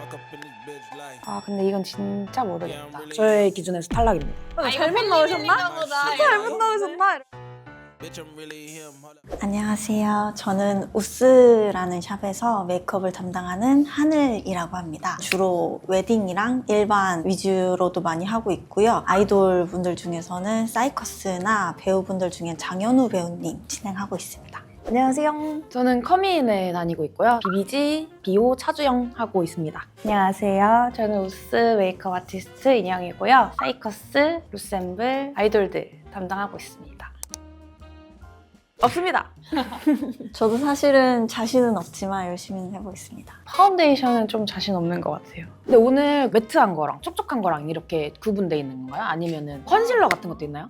아 근데 이건 진짜 모르겠다. 저의 기준에서 탈락입니다. 잘못 넣으셨나? 잘못 넣으셨나? 안녕하세요. 저는 우스라는 샵에서 메이크업을 담당하는 하늘이라고 합니다. 주로 웨딩이랑 일반 위주로도 많이 하고 있고요. 아이돌 분들 중에서는 사이커스나 배우분들 중엔 장현우 배우님 진행하고 있습니다. 안녕하세요. 저는 커미인에 다니고 있고요. 비비지, 비오, 차주영 하고 있습니다. 안녕하세요. 저는 우스 메이크업 아티스트 인영이고요. 사이커스, 루셈블, 아이돌들 담당하고 있습니다. 없습니다. 저도 사실은 자신은 없지만 열심히 해보겠습니다. 파운데이션은 좀 자신 없는 것 같아요. 근데 오늘 매트한 거랑 촉촉한 거랑 이렇게 구분돼 있는 건가요? 아니면은 컨실러 같은 것도 있나요?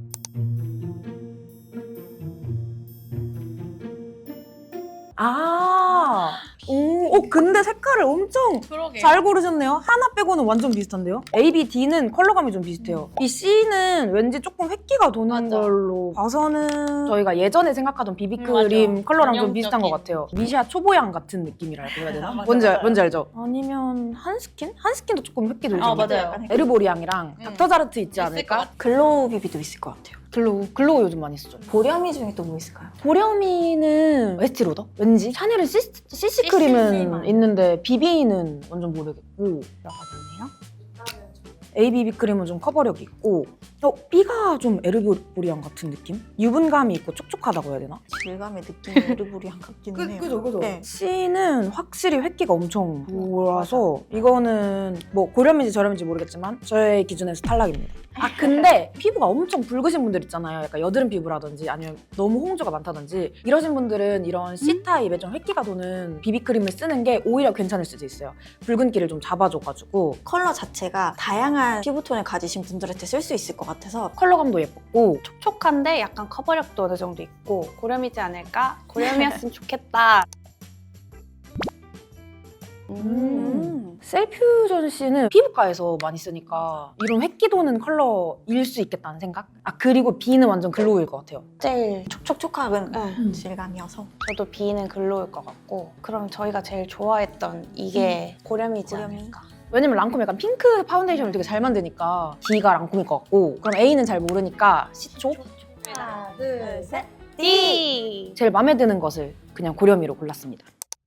근데 색깔을 엄청 잘 고르셨네요. 하나 빼고는 완전 비슷한데요? A, B, D는 컬러감이 좀 비슷해요. 이 C는 왠지 조금 획기가 도는 맞아. 걸로 봐서는 저희가 예전에 생각하던 비비크림 맞아. 컬러랑 좀 전형적인. 비슷한 것 같아요. 미샤 초보양 같은 느낌이랄까 해야 되나? 맞아, 뭔지, 맞아요. 뭔지 알죠? 아니면 한스킨? 한스킨도 조금 획기 돌죠. 맞아요. 에르보리앙이랑 닥터자르트 있지 않을까? 글로우 비비도 있을 것 같아요. 글로우 요즘 많이 쓰죠. 보렴이 중에 또 뭐 있을까요? 보렴이는 웨스티로더? 왠지? 샤넬은 CC 크림은 있는데 BB는 완전 모르겠고 들어가겠네요. ABB 크림은 좀 커버력이 있고 B가 좀 에르보리앙 같은 느낌? 유분감이 있고 촉촉하다고 해야 되나? 질감의 느낌이 에르보리안 같기는 해요. 그죠. 네. C는 확실히 획기가 엄청 돌아서 이거는 뭐 고렴인지 저렴인지 모르겠지만 저의 기준에서 탈락입니다. 아 근데 피부가 엄청 붉으신 분들 있잖아요. 약간 여드름 피부라든지 아니면 너무 홍조가 많다든지 이러신 분들은 이런 C타입의 좀 획기가 도는 비비크림을 쓰는 게 오히려 괜찮을 수도 있어요. 붉은기를 좀 잡아줘가지고 컬러 자체가 다양한 피부톤을 가지신 분들한테 쓸 수 있을 것 같아서 컬러감도 예뻤고 촉촉한데 약간 커버력도 어느 정도 있고 고렴이지 않을까? 고렴이었으면 좋겠다. 셀퓨전 C는 피부과에서 많이 쓰니까 이런 획기 도는 컬러일 수 있겠다는 생각? 아 그리고 B는 완전 글로우일 것 같아요. 제일 촉촉한 네. 질감이어서 저도 B는 글로우일 것 같고 그럼 저희가 제일 좋아했던 이게 고렴이지 고렴이. 않을까? 왜냐면 랑콤 약간 핑크 파운데이션을 되게 잘 만드니까 D가 랑콤일 것 같고 그럼 A는 잘 모르니까 C쪽? 하나, 둘, 셋. D! 제일 마음에 드는 것을 그냥 고렴이로 골랐습니다.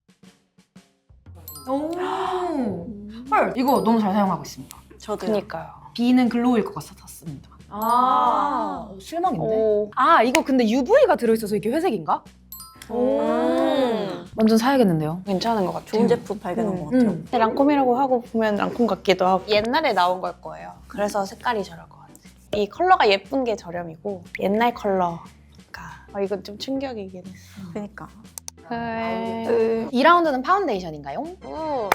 헐 이거 너무 잘 사용하고 있습니다. 저도요. 그니까요. B는 글로우일 것 같았습니다. 실망인데? 오. 아 이거 근데 UV가 들어있어서 이게 회색인가? 완전 사야겠는데요? 괜찮은 것 같아요. 좋은 제품 발견한 것 같아요. 근데 랑콤이라고 하고 보면 랑콤 같기도 하고 옛날에 나온 걸 거예요. 그래서 색깔이 저럴 것 같아요. 이 컬러가 예쁜 게 저렴이고 옛날 컬러가 이건 좀 충격이긴 했어. 그러니까. 2라운드는 파운데이션인가요? 오.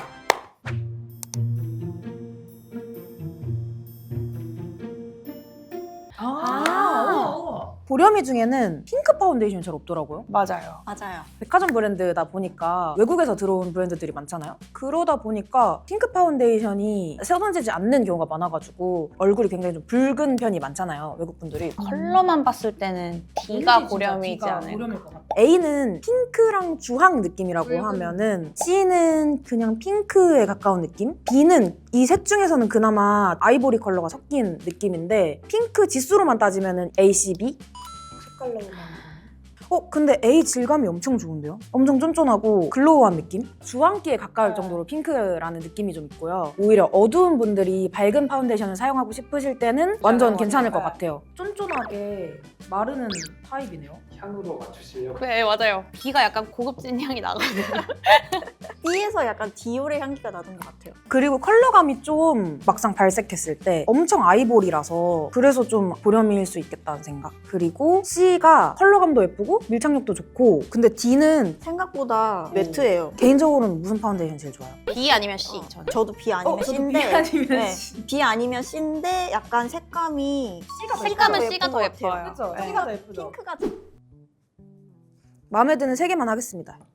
보렴이 중에는 핑크 파운데이션이 잘 없더라고요. 맞아요. 맞아요. 백화점 브랜드다 보니까 외국에서 들어온 브랜드들이 많잖아요. 그러다 보니까 핑크 파운데이션이 써던지지 않는 경우가 많아가지고 얼굴이 굉장히 좀 붉은 편이 많잖아요. 외국 분들이. 컬러만 봤을 때는 D가 고렴이지 않을까. A는 핑크랑 주황 느낌이라고 하면은 C는 그냥 핑크에 가까운 느낌? B는 이 셋 중에서는 그나마 아이보리 컬러가 섞인 느낌인데 핑크 지수로만 따지면은 A, C, B? 색깔로만 근데 A 질감이 엄청 좋은데요? 엄청 쫀쫀하고 글로우한 느낌? 주황기에 가까울 정도로 핑크라는 느낌이 좀 있고요. 오히려 어두운 분들이 밝은 파운데이션을 사용하고 싶으실 때는 완전 괜찮을 것 같아요. 쫀쫀하게 마르는 타입이네요. 향으로 맞추시려고. 네 맞아요. B가 약간 고급진 향이 나거든요. B에서 약간 디올의 향기가 나는 것 같아요. 그리고 컬러감이 좀 막상 발색했을 때 엄청 아이보리라서 그래서 좀 보렴일 수 있겠다는 생각. 그리고 C가 컬러감도 예쁘고 밀착력도 좋고 근데 D는 생각보다 매트예요. 개인적으로는 무슨 파운데이션 제일 좋아요? B 아니면 C 저는. 저도 B 아니면 저도 C인데 B 아니면 네. C. B 아니면 C인데 약간 색감이 색감은 C가 더 예쁜 것 예뻐요. 같아요. 그쵸? 네. C가 더 예쁘죠? 핑크가 마음에 드는 3개만 하겠습니다.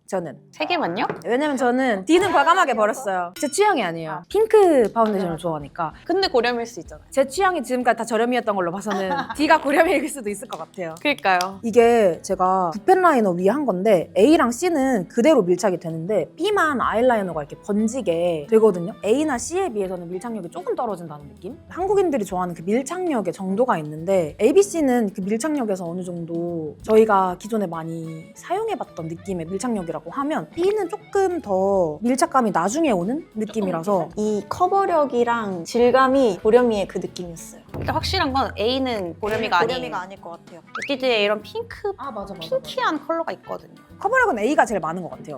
저는. 3개만요? 왜냐면 저는 D는 과감하게 버렸어요. 제 취향이 아니에요. 핑크 파운데이션을 좋아하니까. 근데 고렴일 수 있잖아요. 제 취향이 지금까지 다 저렴이었던 걸로 봐서는 D가 고렴일 수도 있을 것 같아요. 그러니까요. 이게 제가 붓펜 라이너 위에 한 건데 A랑 C는 그대로 밀착이 되는데 B만 아이라이너가 이렇게 번지게 되거든요. A나 C에 비해서는 밀착력이 조금 떨어진다는 느낌? 한국인들이 좋아하는 그 밀착력의 정도가 있는데 A, B, C는 그 밀착력에서 어느 정도 저희가 기존에 많이 사용해봤던 느낌의 밀착력이라고 하면 B는 조금 더 밀착감이 나중에 오는 느낌이라서 이 커버력이랑 질감이 고렴이의 그 느낌이었어요. 그러니까 확실한 건 A는 고렴이가 아니에요. 고렴이가 아닐 것 같아요. 에뛰드에 이런 핑크, 아 맞아 핑키한 컬러가 있거든요. 커버력은 A가 제일 많은 것 같아요.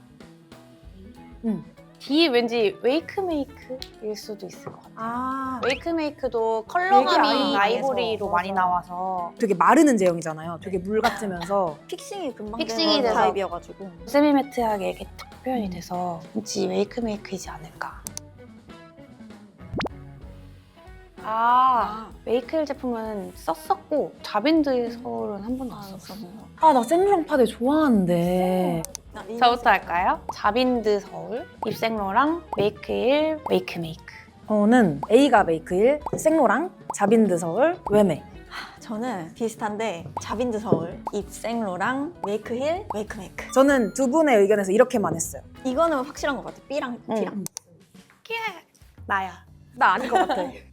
D 왠지 웨이크메이크일 수도 있을 것 같아요. 아 웨이크메이크도 되게 컬러감이 아이보리에서. 아이보리로 많이 나와서 되게 마르는 제형이잖아요. 되게 물 같으면서 픽싱이 금방 픽싱이 되는 돼서. 타입이어가지고. 세미매트하게 이렇게 탁 표현이 돼서 왠지 웨이크메이크이지 않을까. 메이크일 제품은 썼었고 자빈드 서울은 한 번도 안 썼어요. 아 나 생로랑 파데 좋아하는데 저부터 할까요? 자빈드 서울, 입생로랑 메이크일, 웨이크메이크. 저는 A가 메이크일, 생로랑, 자빈드 서울, 웨메. 저는 비슷한데 자빈드 서울, 입생로랑 메이크힐, 웨이크메이크. 저는 두 분의 의견에서 이렇게만 했어요. 이거는 확실한 것 같아요. B랑 D랑. 나야. 나 아닌 것 같아. 예!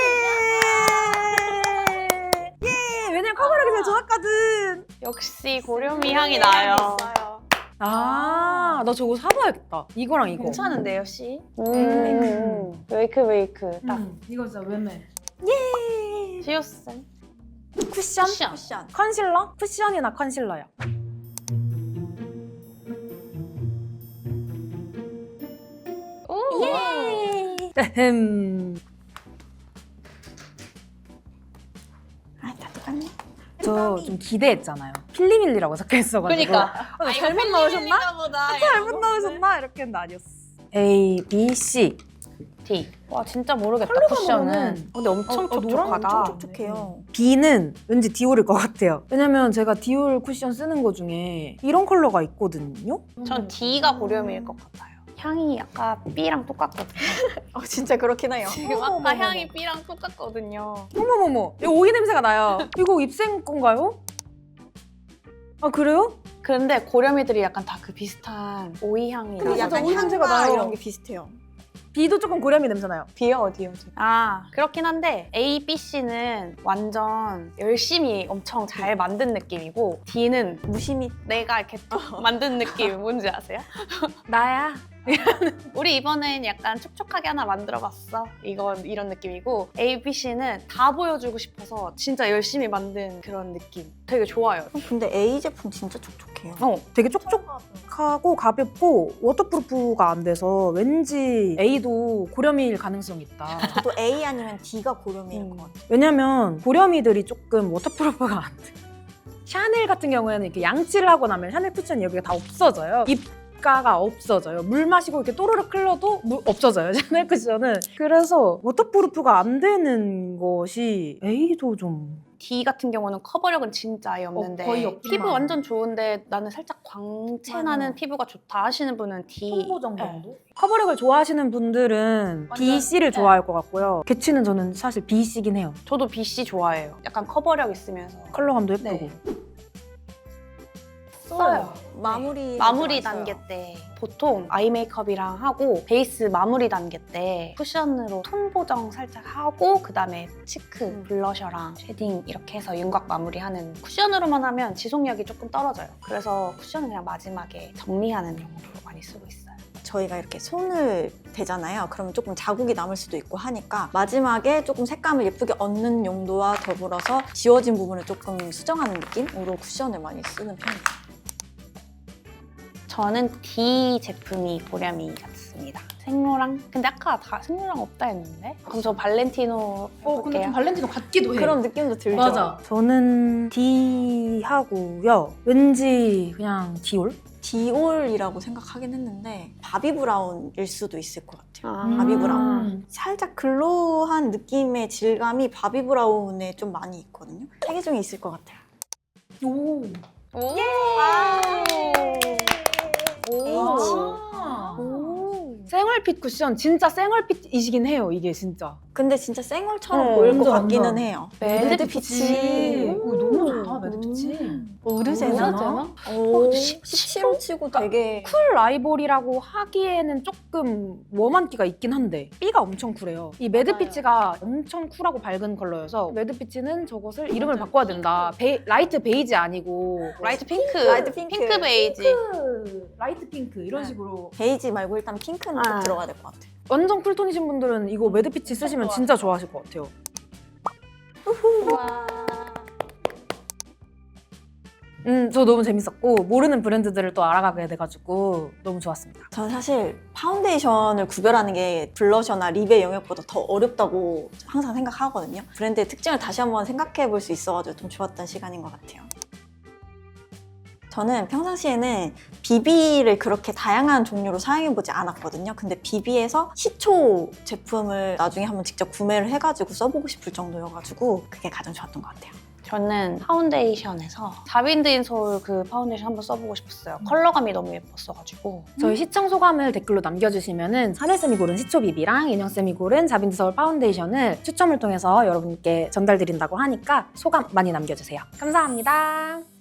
왜냐면 커버력이 제일 좋았거든. 역시 고렴이 향이 나요. 아, 나 저거 사봐야겠다. 이거랑 이거. 괜찮은데요, 씨? 웨이크메이크. 웨이크. 딱. 이거 진짜 웨메. 지우쌤. 쿠션? 쿠션. 컨실러? 쿠션이나 컨실러야. 오! 에헴. 아, 다 똑같네. 저 좀 기대했잖아요. 필리밀리라고 적혀있어가지고. 그러니까. 잘못 넣으셨나? 잘못 넣으셨나? 이렇게 했는데 아니었어. A, B, C. D. 와, 진짜 모르겠다, 컬러가 쿠션은. 근데 엄청 촉촉하다. 엄청 촉촉해요. B는 왠지 디올일 것 같아요. 왜냐면 제가 디올 쿠션 쓰는 거 중에 이런 컬러가 있거든요. 전 D가 고렴일 것 같아요. 향이 아까 B랑 똑같거든요. 진짜 그렇긴 해요. 지금 어머머머머. 아까 향이 B랑 똑같거든요. 어머머머, 이거 오이 냄새가 나요. 이거 입생 건가요? 아 그래요? 근데 고렴이들이 약간 다 그 비슷한 오이 향이 근데 나요. 약간 오이 냄새가 나요. 이런 게 비슷해요. B도 조금 고렴이 냄새 나요. B요 어디요? 아 그렇긴 한데 A, B, C는 완전 열심히 엄청 잘 만든 느낌이고 D는 무심히 내가 이렇게 툭 만든 느낌 뭔지 아세요? 나야. 우리 이번엔 약간 촉촉하게 하나 만들어봤어. 이런 느낌이고 A, B, C는 다 보여주고 싶어서 진짜 열심히 만든 그런 느낌. 되게 좋아요. 근데 A 제품 진짜 촉촉해요. 되게 촉촉하고 가볍고 워터프루프가 안 돼서 왠지 A도 고렴일 가능성이 있다. 또 A 아니면 D가 고렴일 것 같아요. 왜냐면 고렴이들이 조금 워터프루프가 안 돼. 샤넬 같은 경우에는 이렇게 양치를 하고 나면 샤넬 쿠션이 여기가 다 없어져요. 입가가 없어져요. 물 마시고 이렇게 또르륵 흘러도 없어져요. 샤넬 쿠션은. 그래서 워터프루프가 안 되는 것이 A도 좀 D 같은 경우는 커버력은 진짜 아예 없는데 거의 없구나. 피부 완전 좋은데 나는 살짝 광채 나는 맞아요. 피부가 좋다 하시는 분은 D. 홍보정 네. 정도? 커버력을 좋아하시는 분들은 완전- B, C를 네. 좋아할 것 같고요. 개취는 저는 사실 B, C긴 해요. 저도 B, C 좋아해요. 약간 커버력 있으면서 컬러감도 예쁘고. 네. 써요. 마무리 마무리 단계 때 보통 아이 메이크업이랑 하고 베이스 마무리 단계 때 쿠션으로 톤 보정 살짝 하고 그다음에 치크, 블러셔랑 쉐딩 이렇게 해서 윤곽 마무리하는 쿠션으로만 하면 지속력이 조금 떨어져요. 그래서 쿠션은 그냥 마지막에 정리하는 용도로 많이 쓰고 있어요. 저희가 이렇게 손을 대잖아요. 그러면 조금 자국이 남을 수도 있고 하니까 마지막에 조금 색감을 예쁘게 얻는 용도와 더불어서 지워진 부분을 조금 수정하는 느낌으로 쿠션을 많이 쓰는 편이에요. 저는 D 제품이 고렴이 같습니다. 생로랑 근데 아까 다 생로랑 없다 했는데 그럼 저 발렌티노 해볼게요. 발렌티노 같기도 그런 느낌도 들죠? 저는 D 하고요. 왠지 그냥 디올? 디올이라고 생각하긴 했는데 바비 브라운일 수도 있을 것 같아요. 아, 바비 브라운. 살짝 글로우한 느낌의 질감이 바비 브라운에 좀 많이 있거든요. 세 개 중에 있을 것 같아요. 오. 오! 생얼핏 쿠션 진짜 생얼핏이시긴 해요. 이게 진짜. 근데 진짜 생얼처럼 보일 것 완전, 같기는 완전. 해요. 매드빛이. 오, 너무 좋다 매드빛이. 오르제나? 오, 17호 치고 되게 쿨 아이보리라고 하기에는 조금 웜한 기가 있긴 한데 B가 엄청 쿨해요. 이 매드피치가 엄청 쿨하고 밝은 컬러여서 매드피치는 저것을 이름을 바꿔야 된다. 라이트 베이지 아니고 라이트 핑크. 라이트 핑크. 핑크 베이지. 라이트 핑크 이런 식으로 베이지 말고 일단 핑크는 꼭 아. 들어가야 될 것 같아요. 완전 쿨톤이신 분들은 이거 매드피치 쓰시면 진짜 좋아하실 것 같아요. 저 너무 재밌었고 모르는 브랜드들을 또 알아가게 돼가지고 너무 좋았습니다. 전 사실 파운데이션을 구별하는 게 블러셔나 립의 영역보다 더 어렵다고 항상 생각하거든요. 브랜드의 특징을 다시 한번 생각해 볼 수 있어가지고 좀 좋았던 시간인 것 같아요. 저는 평상시에는 비비를 그렇게 다양한 종류로 사용해보지 않았거든요. 근데 비비에서 시초 제품을 나중에 한번 직접 구매를 해가지고 써보고 싶을 정도여가지고 그게 가장 좋았던 것 같아요. 저는 파운데이션에서 자빈드인 소울 그 파운데이션 한번 써보고 싶었어요. 컬러감이 너무 예뻤어가지고. 저희 시청 소감을 댓글로 남겨주시면은 하늘쌤이 고른 시초 비비랑 인형쌤이 고른 자빈드 서울 파운데이션을 추첨을 통해서 여러분께 전달드린다고 하니까 소감 많이 남겨주세요. 감사합니다.